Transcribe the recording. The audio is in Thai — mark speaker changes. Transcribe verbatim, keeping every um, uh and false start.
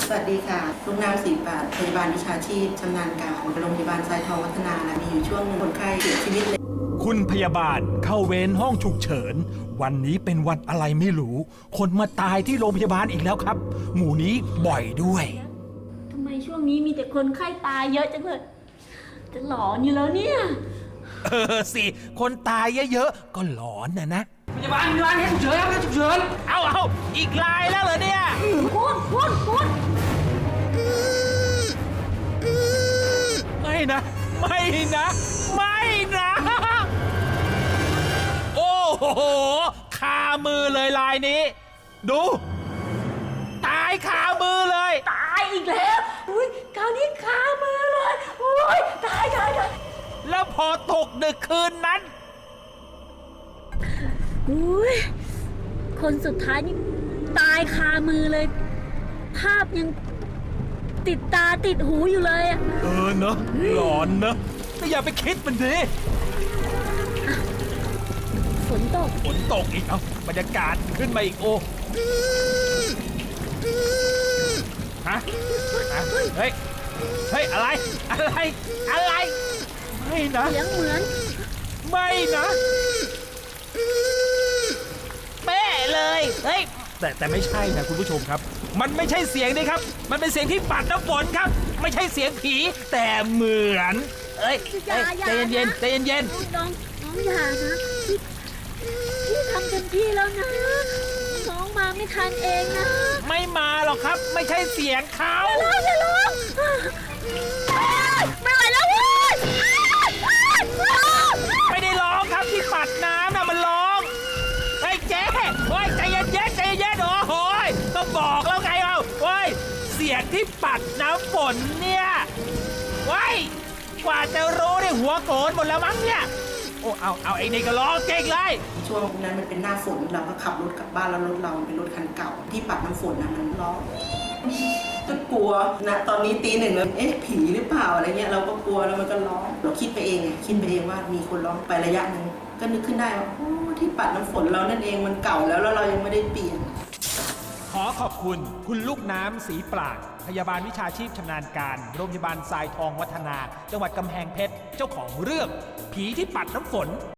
Speaker 1: สวัสดีค่ะลูกน้ำสีปาดพยาบาลวิชาชีพชำนาญการโรงพยาบาลทรายทองวัฒนาและมีอยู่ช่วงหนึ่งคนไข้เสียชีวิตเลย
Speaker 2: คุณพยาบาลเข้าเวรห้องฉุกเฉินวันนี้เป็นวันอะไรไม่รู้คนมาตายที่โรงพยาบาลอีกแล้วครับหมู่นี้บ่อยด้วย
Speaker 3: ทำไมช่วงนี้มีแต่คนไข้ตายเยอะจังเลยจะหลอนอยู่แล้วเนี่ย
Speaker 2: เออสิคนตายเยอะๆก็หลอนนะนะ
Speaker 4: พยาบาลพยาบาลให้ฉุกเฉินครับให้ฉุกเฉิน
Speaker 2: เอาเอาอีกลายแล้วเหรอเนี่ย
Speaker 3: คุณคุณคุณ
Speaker 2: ไม่นะไม่นะไม่นะโอ้โหคามือเลยลายนี้ดูตายคามือเลย
Speaker 3: ตายอีกแล้วอุ้ยคราวนี้คามือเลยอุ้ยตายตายตาย
Speaker 2: แล้วพอตกดึกคืนนั้น
Speaker 3: อุ้ยคนสุดท้ายนี่ตายคามือเลยภาพยังติดตาติดหูอยู่เลยอะ
Speaker 2: เออเนอะหลอนเนอะก็อย่าไปคิดมันดิ
Speaker 3: ฝนตก
Speaker 2: ฝนตกอีกเอาบรรยากาศขึ้นมาอีกโอ้ฮะเฮ้ยเฮ้ยอะไรอะไรอะไรไม่นะ
Speaker 3: เสียงเหมือน
Speaker 2: ไม่นะเป๊ะเลยเฮ้ยแต่แต่ไม่ใช่นะคุณผู้ชมครับมันไม่ใช่เสียงนี่ครับมันเป็นเสียงที่ปัดน้ำฝนครับไม่ใช่เสียงผีแต่เหมือนเอ้ยใจเย็นๆใจเย็น
Speaker 3: ๆน้องน้องอย่านะพี่ทำเต็มที่แล้วนะน้องมาไม่ทันเองนะ
Speaker 2: ไม่มาหรอกครับไม่ใช่เสียงเขา
Speaker 3: อย่าร้องอย่าร้องไม่ไหวแล้วเว้ย
Speaker 2: ไม่ได้ร้องครับที่ปัดน้ำน่ะมันร้องไอ้เจ๊โอ้ยใจเย็นเย็นใจเย็นโอ้โหก็บอกแล้วไงเอาโอ้ยเสียงที่ปัดน้ำฝนเนี่ยว้ายกว่าจะรู้ได้หัวโกรธหมดแล้วมั้งเนี่ยโอ้เอาเอาไอ้นี่ก็ร้องเจ๊งเลย
Speaker 1: ช่วงนั้นมันเป็นหน้าฝนเราก็ขับรถกลับบ้านแล้วรถเราเป็นรถคันเก่าที่ปัดน้ำฝนนะมันร้องก็กลัวนะตอนนี้ตีหนึ่งแล้วเอ๊ะผีหรือเปล่าอะไรเงี้ยเราก็กลัวแล้วมันก็ร้องเราคิดไปเองไงคิดไปเองว่ามีคนร้องไประยะหนึ่งก็นึกขึ้นได้ว่าโอ้ที่ปัดน้ำฝนเรานั่นเองมันเก่าแล้วแล้วเรายังไม่ได้เปลี่ยน
Speaker 2: ขอขอบคุณคุณลูกน้ำสีปราดพยาบาลวิชาชีพชำนาญการโรงพยาบาลทรายทองวัฒนาจังหวัดกำแพงเพชรเจ้าของเรื่องผีที่ปัดน้ำฝน